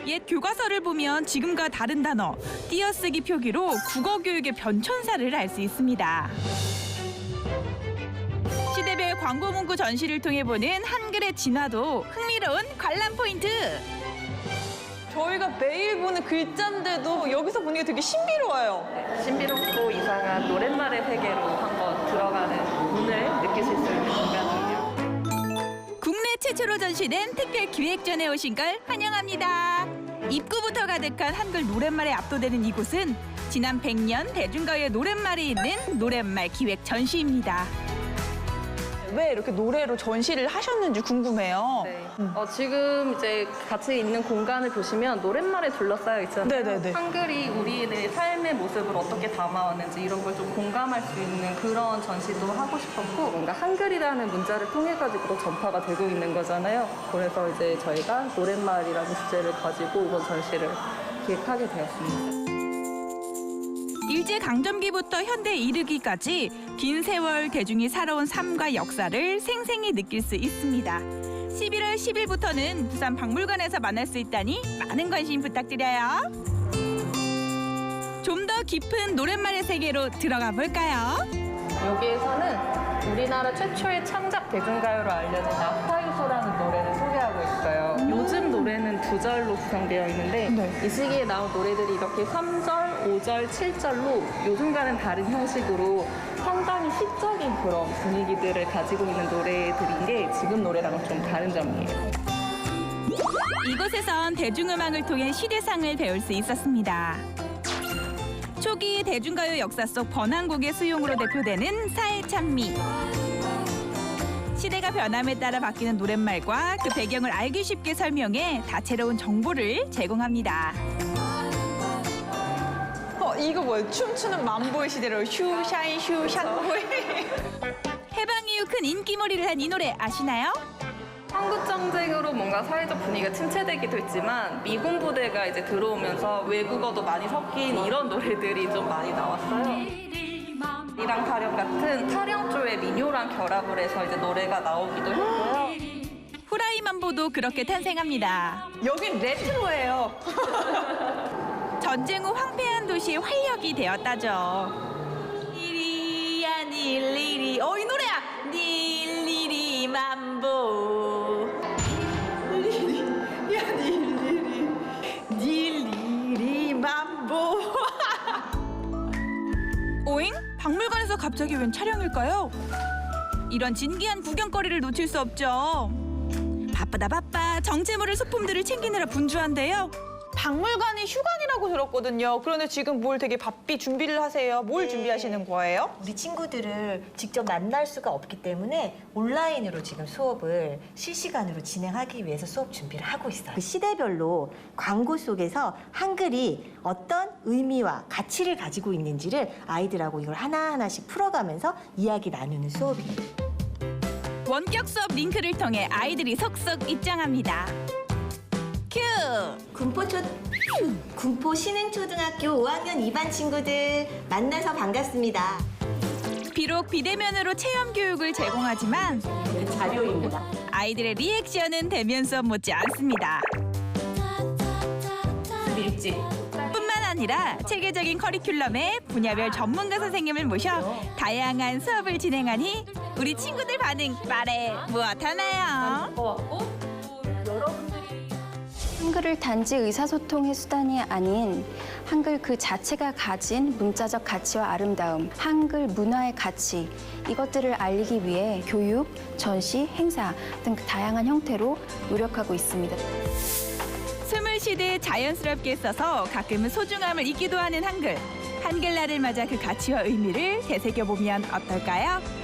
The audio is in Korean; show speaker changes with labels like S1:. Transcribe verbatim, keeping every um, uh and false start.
S1: 옛 교과서를 보면 지금과 다른 단어, 띄어쓰기 표기로 국어 교육의 변천사를 알 수 있습니다. 시대별 광고 문구 전시를 통해 보는 한글의 진화도 흥미로운 관람 포인트.
S2: 저희가 매일 보는 글자인데도 여기서 보는 게 되게 신비로워요.
S3: 신비롭고 이상한 노랫말의 세계로 한번 들어가는 운을 느끼실 수 있는 공간이에요.
S1: 국내 최초로 전시된 특별 기획전에 오신 걸 환영합니다. 입구부터 가득한 한글 노랫말에 압도되는 이곳은 지난 백 년 대중가요의 노랫말이 있는 노랫말 기획 전시입니다.
S2: 왜 이렇게 노래로 전시를 하셨는지 궁금해요.
S3: 네. 어, 지금 이제 같이 있는 공간을 보시면 노랫말에 둘러싸여 있잖아요.
S2: 네네네.
S3: 한글이 우리의 삶의 모습을 어떻게 담아왔는지 이런 걸 좀 공감할 수 있는 그런 전시도 하고 싶었고, 뭔가 한글이라는 문자를 통해 가지고 전파가 되고 있는 거잖아요. 그래서 이제 저희가 노랫말이라는 주제를 가지고 이번 전시를 기획하게 되었습니다.
S1: 일제강점기부터 현대에 이르기까지 긴 세월 대중이 살아온 삶과 역사를 생생히 느낄 수 있습니다. 십일월 십일부터는 부산 박물관에서 만날 수 있다니 많은 관심 부탁드려요. 좀 더 깊은 노랫말의 세계로 들어가 볼까요?
S3: 여기에서는 우리나라 최초의 창작 대중가요로 알려진 나파유소라는 노래를 소개하고 있어요. 요즘 노래는 두 절로 구성되어 있는데
S2: 네.
S3: 이 시기에 나온 노래들이 이렇게 삼 절, 오 절, 칠 절로 요즘과는 다른 형식으로 상당히 시적인 그런 분위기들을 가지고 있는 노래들인 게 지금 노래랑은 좀 다른 점이에요.
S1: 이곳에선 대중음악을 통해 시대상을 배울 수 있었습니다. 초기 대중가요 역사 속 번안곡의 수용으로 대표되는 사회찬미. 시대가 변함에 따라 바뀌는 노랫말과 그 배경을 알기 쉽게 설명해 다채로운 정보를 제공합니다.
S2: 어, 이거 뭐예요? 춤추는 만보의 시대로 슈샤인 슈샤보이.
S1: 해방 이후 큰 인기몰이를 한 이 노래 아시나요?
S3: 한국전쟁으로 뭔가 사회적 분위기가 침체되기도 했지만 미군 부대가 이제 들어오면서 외국어도 많이 섞인 이런 노래들이 좀 많이 나왔어요. 이랑 타령 같은 타령조의 민요랑 결합을 해서 이제 노래가 나오기도 했고요.
S1: 후라이만보도 그렇게 탄생합니다.
S2: 여긴 레트로예요.
S1: 전쟁 후 황폐한 도시의 활력이 되었다죠. 일이야 닐리리 어 이 노래야. 닐리리 만보.
S2: 야, 닐리리, 닐리리 만보.
S1: 오잉? 박물관에서 갑자기 웬 촬영일까요? 이런 진기한 구경거리를 놓칠 수 없죠. 바쁘다 바빠 정체 모를 소품들을 챙기느라 분주한데요.
S2: 박물관이 휴관이라고 들었거든요. 그런데 지금 뭘 되게 바삐 준비를 하세요. 뭘
S4: 네.
S2: 준비하시는 거예요?
S4: 우리 친구들을 직접 만날 수가 없기 때문에 온라인으로 지금 수업을 실시간으로 진행하기 위해서 수업 준비를 하고 있어요. 그 시대별로 광고 속에서 한글이 어떤 의미와 가치를 가지고 있는지를 아이들하고 이걸 하나하나씩 풀어가면서 이야기 나누는 수업이에요.
S1: 원격 수업 링크를 통해 아이들이 속속 입장합니다. 큐!
S4: 군포초 군포 신흥초등학교 오 학년 이 반 친구들 만나서 반갑습니다.
S1: 비록 비대면으로 체험 교육을 제공하지만
S4: 자료입니다.
S1: 아이들의 리액션은 대면 수업 못지 않습니다.
S4: 밀집.
S1: 뿐만 아니라 체계적인 커리큘럼에 분야별 전문가 선생님을 모셔 다양한 수업을 진행하니 우리 친구들 반응 말해 무엇하나요?
S5: 한글을 단지 의사소통의 수단이 아닌 한글 그 자체가 가진 문자적 가치와 아름다움, 한글 문화의 가치, 이것들을 알리기 위해 교육, 전시, 행사 등 다양한 형태로 노력하고 있습니다.
S1: 숨을 쉬듯 자연스럽게 써서 가끔은 소중함을 잊기도 하는 한글. 한글날을 맞아 그 가치와 의미를 되새겨보면 어떨까요?